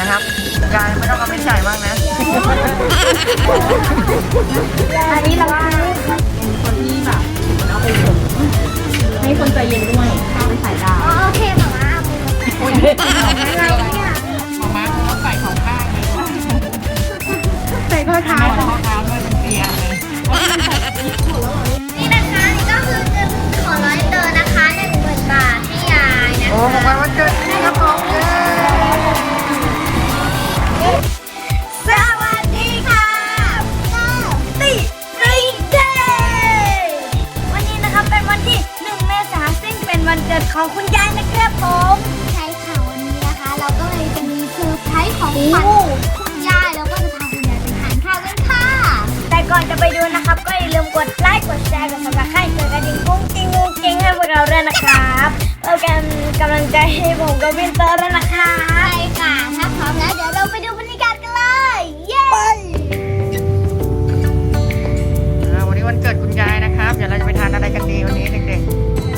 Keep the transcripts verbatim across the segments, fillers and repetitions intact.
นะครับยายไม่ต้องเอาไปจ่ายมากนะอันนี้เราเป็นคนที่แบบเอาไปส่งให้คนใจเย็นด้วยข้าวไปใส่ดาวโอเคหมาม้าโอ้ยอะไรเนี่ยหมาม้าเขาใส่สองข้างเลยใส่ข้อเท้าข้อเท้าด้วยมันเปียกเลยนี่นะคะนี่ก็คือเงินของร้อยเตอร์นะคะหนึ่งหมื่นบาทให้ยายนะโอ้ของวันเกิดนี่ครับผมเย้สวัสดีค่ะติริเดย์วันนี้นะครับเป็นวันที่หนึ่งเมษายนซึ่งเป็นวันเกิดของคุณยายนะครับผมใช่ค่ะวันนี้นะคะเราก็เลยจะมีเซอร์ไพรส์ของขวัญคุณยายแล้วก็จะพาคุณยายไปทานข้าวกันค่ะแต่ก่อนจะไปดูนะครับก็อย่าลืมกดไลค์กดแชร์กดซับสไครต์กดกระดิ่งกุ้งกิ้งกุ้งกิ้งให้พวกเราด้วยนะครับเพื่อเป็นกำลังใจให้ผมกับวินเตอร์ด้วยนะคะใช่ค่ะถ้าพร้อมแล้วเดี๋ยวเราไปดูบรรยากาศกันเลยเย้วันนี้วันเกิดคุณยายนะครับเดี๋ยวเราจะไปทานอะไรกันดีวันนี้เด็กๆ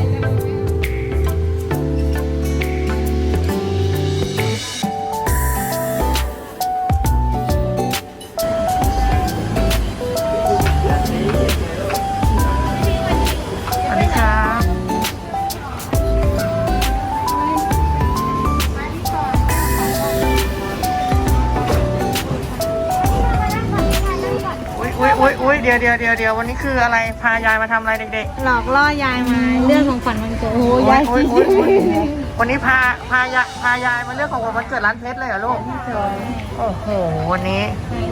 อุ้ยอุ้ยเดี๋ยวเดี๋ยวเดี๋ยวเดี๋ยววันนี้คืออะไรพายายมาทำอะไรเด็กๆหลอกล่อยายมาเรื่องของขวัญวันเกิดโอ้ยายสิวันนี้พาพายาพายายมาเรื่องของวันเกิดร้านเพชรเลยเหรอลูกโอ้โหวันนี้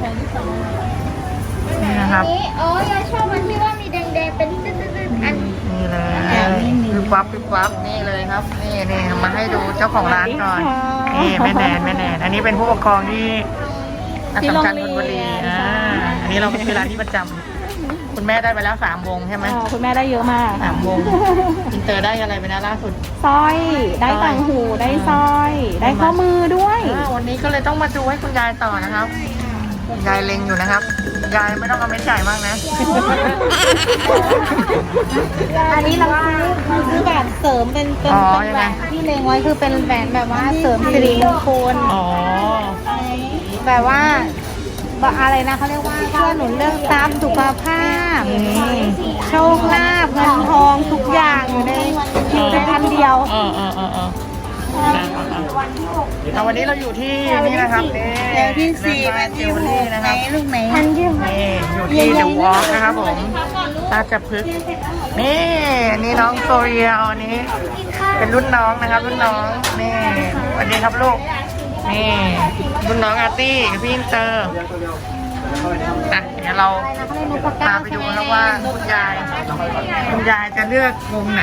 นี่นะครับโอ้ยายชอบมันที่ว่ามีแดงๆเป็นตึ๊ดๆอันนี่เลยคือปั๊บคือปั๊บนี่เลยครับนี่นี่มาให้ดูเจ้าของร้านก่อนนี่แม่แนนแม่แนนอันนี้เป็นผู้ปกครองที่อัศจรรย์ธนบุรีอ่าอันนี้เราเป็นร้านที่ประจำคุณแม่ได้ไปแล้วสามวงใช่ไหมคุณแม่ได้เยอะมากสามวงอินเตอร์ได้อะไรไปนะล่าสุดสร้อยได้ต่างหูได้สร้อยได้ข้อมือด้วยวันนี้ก็เลยต้องมาดูให้คุณยายต่อนะครับยายเล็งอยู่นะครับยายไม่ต้องเอาเม็ดจ่ายมากนะอันนี้เราซื้อซื้อแหวนเสริมเป็นเป็นแหวนที่เล็งไว้คือเป็นแหวนแบบว่าเสริมสิริมงคลอ๋อแบบว่าอะไรนะเขาเรียกว่าเพื่อหนุนเรื่องทรัพย์สุขภาพโชคลาภเงินทองทุกอย่างอยู่ในอยู่ในพันเดียวเออเออเออเออแต่วันนี้เราอยู่ที่นี่นะครับนี่ที่สี่แมทธิวนะครับลูกไหนทันยืมนี่อยู่ที่เดอะวอล์กนะครับผมราชพฤกษ์นี่นี่น้องโซเรียลอันนี้เป็นรุ่นน้องนะครับรุ่นน้องนี่สวัสดีครับลูกนี่รุ่นน้องอาร์ตี้กับพี่อินเตอร์นะเดี๋ยวเราพาไปดูนะว่าคุณยายคุณยายจะเลือกวงไหน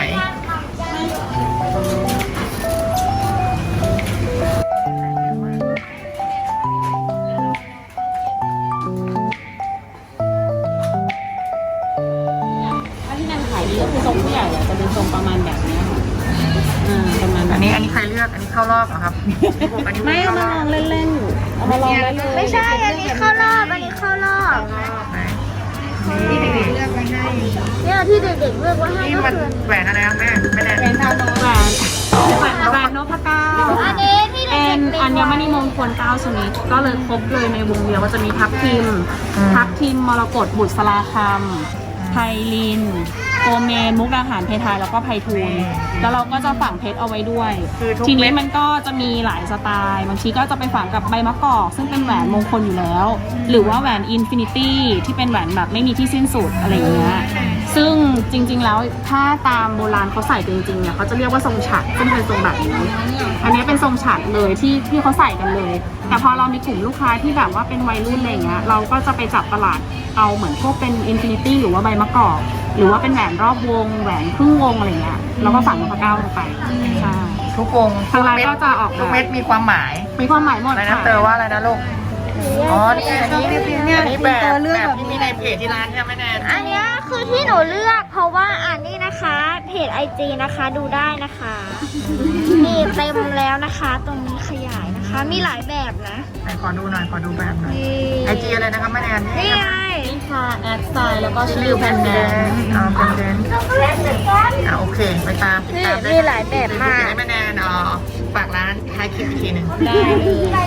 อันที่นั่นขายดีก็คือทรงผู้ใหญ่จะเป็นทรงประมาณแบบนี้ค่ะประมาณอันนี้อันนี้ใครเลือกอันนี้เข้ารอบเหรอครับไม่เอามาลองเล่นๆเอามาลองเล่นๆไม่ใช่อันนี้เข้ารอบอันนี้เข้ารอบที่เด็กๆเลือกไว้ให้เนี่ยที่เด็กๆเลือกไว้ให้นี่มันแหวนอะไรครับแม่แม่แหวนทาโนแหวนแหวนแหวนนพเก้าอันนี้ที่เด็กๆเป็นอัญมณีมงคลเก้าชนิดก็เลยครบเลยในวงเดียวก็จะมีทับทิมทับทิมมรกตบุษราคำไพลินโกเมนมุกดาหารเพทายแล้วก็ไพทูลแล้วเราก็จะฝังเพชรเอาไว้ด้วยทีนี้มันก็จะมีหลายสไตล์บางทีก็จะไปฝังกับใบมะกอกซึ่งเป็นแหวนมงคลอยู่แล้วหรือว่าแหวนอินฟินิตี้ที่เป็นแหวนแบบไม่มีที่สิ้นสุดอะไรอย่างเงี้ยซึ่งจริงๆแล้วถ้าตามโบราณเขาใส่จริงๆเนี่ยเขาจะเรียกว่าทรงฉัตรซึ่งเป็นทรงแบบนี้อันนี้เป็นทรงฉัตรเลยที่ที่เขาใส่กันเลยแต่พอเรามีกลุ่มลูกค้าที่แบบว่าเป็นวัยรุ่นอะไรเงี้ยเราก็จะไปจับตลาดเอาเหมือนพวกเป็นอินฟินิตี้หรือว่าใบมะกอกหรือว่าเป็นแหวนรอบวงแหวนครึ่งวงอะไรเงี้ยแล้วก็ฝังนพเก้าลงไปใช่ทุกวงทางร้านก็จะออกทุกเม็ดมีความหมายมีความหมายหมดอะไรนะเตอว่าอะไรนะลูกอ๋อนี่อันนี้นี่อันนี้แบบแบบที่มีในเพจที่ร้านใช่ไหมแนนอันนี้คือที่หนูเลือกเพราะว่าอันนี้นะคะเพจไอจีนะคะดูได้นะคะมีเต็มแล้วนะคะตรงนี้ขยายนะคะมีหลายแบบนะไหนขอดูหน่อยขอดูแบบหน่อยไอจีอะไรนะครับแม่แนนนี่ไงนี่ค่ะแอดสไตล์แล้วก็ชื่อแพนแดนอ๋อแพนแดนอ่าโอเคไปตามติดตามได้มีหลายแบบมากแม่แนนอ๋อฝากร้านท้ายคลิปอีกทีหนึ่งได้เลยเออ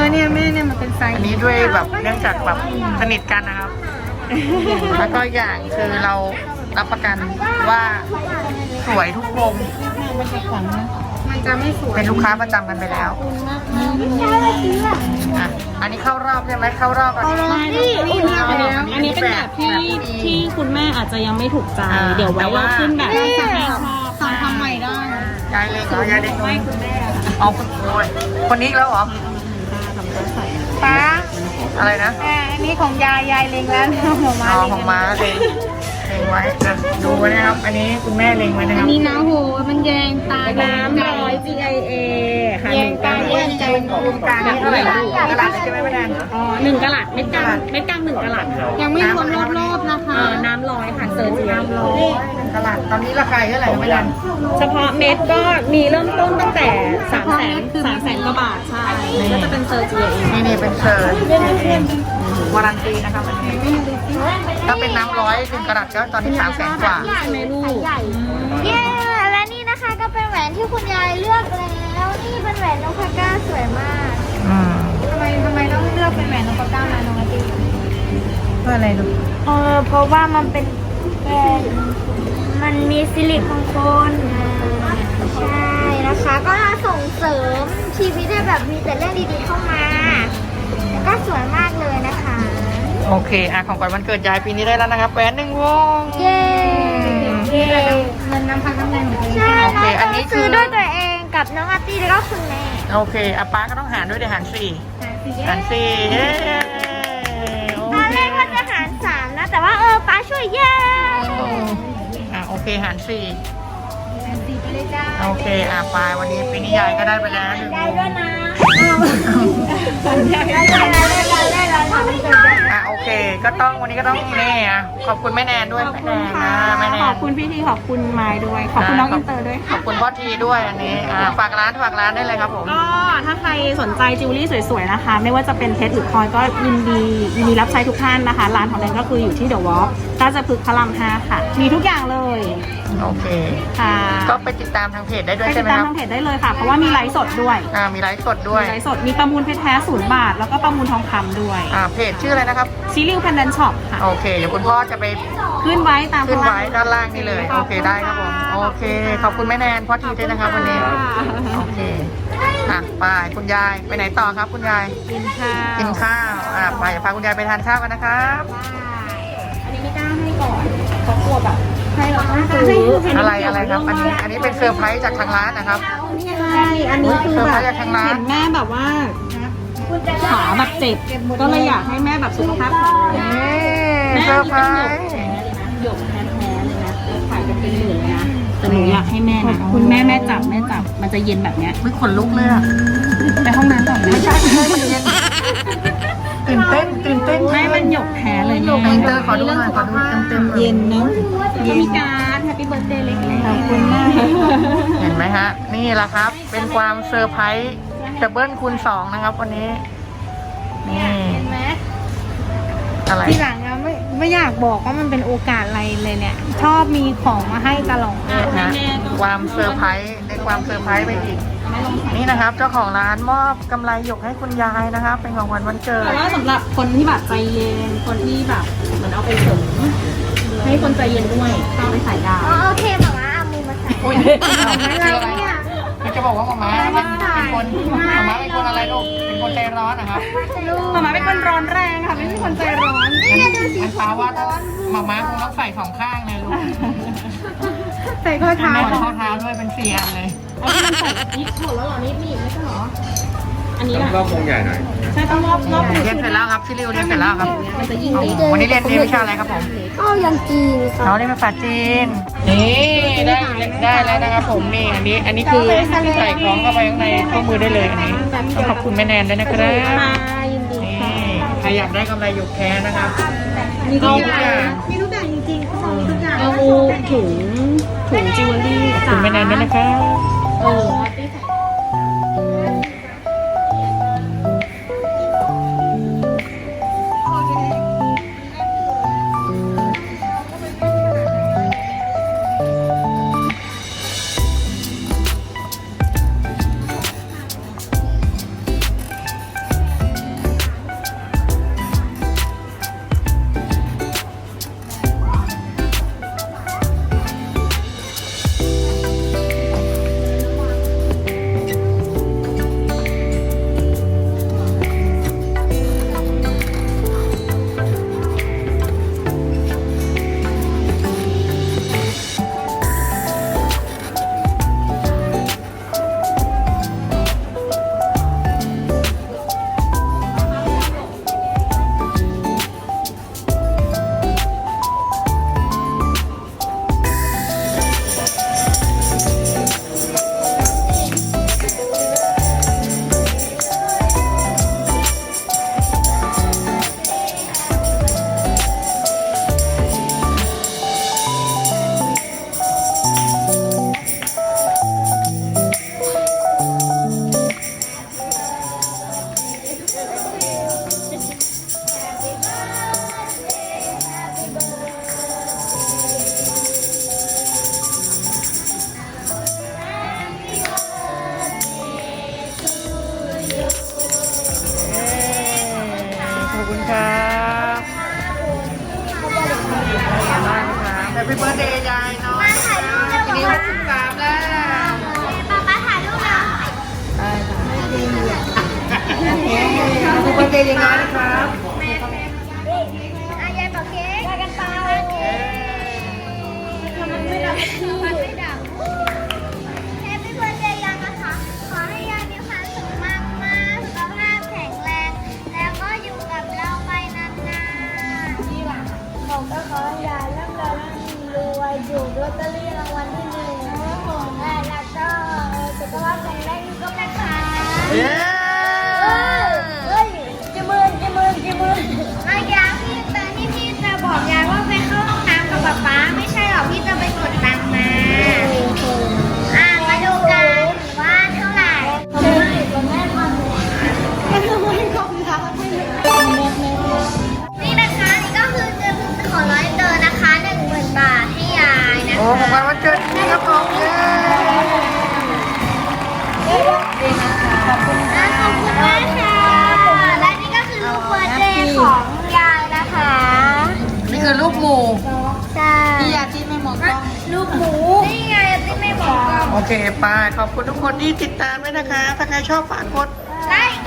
อเนี่ยแม่เนี่ยมันเป็นไซส์อันนี้ด้วยแบบเนื่องจากแบบสนิทกันนะครับ แล้วก็อย่างคือเรารับประกันว่าสวยทุกวงมันจะขวัญนะมันจะไม่สวยเป็นลูกค้าประจำกันไปแล้วอ่ะอันนี้เข้ารอบใช่ไหมเข้ารอบอันนี้ไม่นี่อันนี้อันนี้เป็นแบบที่ที่คุณแม่อาจจะยังไม่ถูกใจ เดี๋ยวไว้เราขึ้นแบบที่แม่ชอบสั่งทำใหม่ได้ยายเล็กเหรอยายเล็กไม่คุณแม่เอาคุณโอยคนนี้อีกแล้วเหรอป้าอะไรนะอันนี้ของยายยายเล็งแล้วของมาอ๋อของม้าเล็งเล็งไว้อ่ะดูไว้นะครับ อันนี้คุณแม่เล็งไว้นะครับนี่นะโหมันแยงตาน้ำร้อย จี ไอ เอ ค่ะแยงตาแยงใจวงการนี้เท่าไหร่ลูกกระดาษใช่ไหมแม่แดนอ๋อหนึ่งกะลัดเม็ดกลางเม็ดกลางหนึ่งกะลัดค่ะยังไม่รวมรอบๆนะคะเออน้ำร้อยค่ะเซอร์จีน้ำร้อยตลาดตอนนี้ราคาเท่าไหร่แม่แดนเฉพาะเม็ดก็มีเริ่มต้นตั้งแต่สามแสนสามแสนกว่าบาทใช่ก็จะเป็นเซอร์จี ไอ เอนี่นี่เป็นเชิญวารันตีนะครับอันนี้ถ้าเป็นน้ำร้อยหนึ่งกระดาษก็ตอนนี้สามแสนกว่าใช่ไหมลูกเย้และนี่นะคะก็เป็นแหวนที่คุณยายเลือกแล้วนี่เป็นแหวนนกพะก้าสวยมากอืมทำไมทำไมต้องเลือกเป็นแหวนนกพะก้ามาน้องอาทิตย์เพื่ออะไรลูกเออเพราะว่ามันเป็นแหวนมันมีซิลิโคนโคนใช่นะคะก็ส่งเสริมชีวิตให้แบบมีแต่เรื่องดีๆเข้ามาแล้วก็สวยมากเลยนะคะโอเคอ่ะของขวัญวันเกิดยายปีนี้ได้แล้วนะครับแหวนหนึ่งวงเย้เย้เงินน้ำพักน้ำแรงของตัวเองใช่โอเคอันนี้คือซื้อด้วยตัวเองกับน้องอาร์ตี้แล้วก็คุณแม่โอเคอ่ะป้าก็ต้องหารด้วยเดี๋ยวหารสี่หารสี่เย้โอตอนเคแรกว่าจะหารสามนะแต่ว่าเออป้าช่วยเย้อ่ะโอเคหารสี่หารสี่ไปเลยจ้าโอเคอ่ะไปวันนี้ปีนี้ยายก็ได้ไปแล้วหนึ่งวได้งด้วยนะได้ได้ได้ได้ได้ได้ทำให้เกิดอ่ะโอเคก็ต้องวันนี้ก็ต้องนี่อ่ะขอบคุณแม่แนนด้วยขอบแม่คุแนณนค่ะนะแม่แนขอน บคุณพี่ทีขอบคุณไม้ด้วย ขอบคุณน้องอินเตอร์ด้วยขอบคุณพ่อทีด้วยอันนี้อ่าฝากร้านฝากร้านได้เลยครับผมก็ถ้าใครสนใจจิวเวลรี่สวยๆนะคะ ไม่ว่าจะเป็นเพชรหรือพลอยก็ยินดียินดีรับใช้ทุกท่านนะคะ ร้านของแนนก็คืออยู่ที่เดอะวอล์กราชพฤกษ์พระรามห้าค่ะ มีทุกอย่างเลยโอเคค่ะก็ไปติดตามทางเพจได้ด้วยไปใช่ติไหดมตามครับทางเพจได้เลยค่ะ เพราะว่ามีไลฟ์สดด้วยอ่ามีไลฟ์สดด้วยมีไลฟ์สดมีประมูลเพชรแท้ศูนย์บาท แล้วก็ประมูลทองคำด้วยอ่าเพจชื่ออะไรนะครับชิลิวแพนดันช็อปค่ะโอเค เดี๋ยวคุณพ่อจะไปขึ้นไว้ตามขึ้นไว้ข้างล่างด้านล่างนี่เลย โอเคได้ครับผม โอเค ขอบคุณแม่แนนพ่อทีด้วยนะครับวันนี้ โอเค อ่ะไปคุณยายไปไหนต่อครับคุณยายกินข้าวกินข้าว อ่ะไปพาคุณยายไปทานข้าวกันนะครับอันนี้ไม่กล้าให้ก่อนเพราะกลัวแบบให้เราต้องซื้ออะไรอะไรครับ อันนี้ อันนี้เป็นเซอร์ไพรส์จากทางร้านนะครับใช่อันนี้คือเซอร์แบไพรบส์จากทางร้านเห็นแม่แบบว่าขาแบบเจ็บ ก็เลยอยากให้แม่แบบสุขภาพแข็งแรงนี่แม่เซอร์ไพรนี่เป็นหยกส์แท้เลยนะหยกแท้ๆเลยนะขายกันเป็นหมื่นเลยนะแต่หนูอยากให้แม่นะคุณแม่แม่จับแม่จับมันจะเย็นแบบเนี้ยไม่ขนลุกเลยอ่ะไปห้องน้ำก่อนนะไม่ใช่ไม่มันเย็นตื่นเต้นตื่นเต้นไม่มันหยกแท้เลยหยกอินเตอร์ขอดูหน่อยขอดูเต็มๆเย็นเนาะก็มีการแฮปปี้เบิร์ดเดย์เล็กๆขอบคุณมากเห็นไหมฮะ นี่แหละครับ เป็นความเซอร์ไพรส์ดับเบิลคูณสองนะครับวันนี้ นี่เห็นไหมอะไรทีหลังอะไม่ไม่อยากบอกว่ามันเป็นโอกาสอะไรเลยเนี่ย ชอบมีของมาให้ตลอดนะความเซอร์ไพรส์ในความเซอร์ไพรส์ไปอีก นี่นะครับ เจ้าของร้านมอบกำไรหยกให้คุณยายนะครับ เป็นของขวัญวันเกิดแต่ว่าสำหรับคนที่แบบใจเย็น คนที่แบบเหมือนเอาไปเสริมให้คนใจเย็นด้วยเอาไปใส่ดาวอ๋อโอเคหมาม่าเอามือมาใส่อุ้ยอะไรเนี่ยจะบอกว่าหมาม้าเป็นคนหมาม้าเป็นคนอะไรลูก เป็นคนใจร้อนนะครับหมามาเป็นคนร้อนแรงค่ะไม่ใช่คนใจร้อนมันฟ้าว่าหมาม้าคงต้องใส่สองข้างเลยลูกใส่ข้อเท้าใส่ข้อเท้าด้วยเป็นสี่อันเลยอันนี้มันใส่นิดหมดแล้วเหรอนิดนี่ไม่ใช่เหรออันนี้แหละรอบวงใหญ่หน่อยใช่ต้องรอบรอบเรียนเสร็จแล้วครับชิลิวเรียนเสร็จแล้วครับมันจะยิ่งอ๋ดีอวันนี้เรียนเรียนวิชาอะไรครับผมเข้ายังจีนน้องเรียนภาษาจีน นี่ได้ได้แล้วนะครับผมนี่อันนี้ อันนี้คือใส่ของเข้าไปข้างในข้อมือได้เลยอันนี้ต้องขอบคุณแม่แนนด้วยนะครับค่ะยินดีนี่ค่ะใครอยากได้กำไรหยกแท้นะครับมีทุกเอาอทุกอย่าย่าง งมีทุกอย่างจริงๆเขาบอกมีทุกอย่างเอาถุงถุงจิวเวลรี่ขอบคุณแม่แนนด้วยนะครับเออที่ใส่ปปี้เบิร์ดเดย์ยายน้อยมาถ่ายรูปเร็วทีนี้หกสิบสามแล้วป๊าป๊าถ่ายรูปแล้วได้ค่ะโอเคแฮปปี้เบิร์ดเดย์ยายน้อยนะครับอายายบอกเค้กกันเปล่าทำไมไม่ดับมันไม่ดับแฮปปี้เบิร์ดเดย์ยายนะคะ ขอให้ยายมีความสุขมากมากสุขภาพแข็งแรง แล้วก็อยู่กับเราไปนานๆนี่ล่ะผมก็ขอให้ยายร่ำรวยรวยอยู่ลอตเตอรี่รางวัลที่หนึ่งแล้วก็สุขภาพแข็งแรงก็นะคะเย้เฮ้ยจิมือจิมือจิมืออายาพี่เตอที่พี่จะบอกยายว่าไปเข้าห้องน้ำกับป๊าป๊าไม่ใช่หรอกพี่จะไปกดตังค์มาอ่ะมาดูกันว่าเท่าไหร่นี่นะคะนี่ก็คือเงินของร้อยเตอร์นะคะหนึ่งหมื่นบาทให้ยายนะโอ้ของขวัญวันเกิดนี่ครับผมเย้ขอบคุณมากค่ะและนี่ก็คือลูกเบอร์เดย์ของยายนะคะนี่คือรูปหมู่ใช่พี่ยาที่ไม่มองกล้องลูกหมูนี่ไงที่ไม่บอกโอเคไปขอบคุณทุกคนที่ติดตามด้วยนะคะ ถ้าใครชอบฝากกดไลค์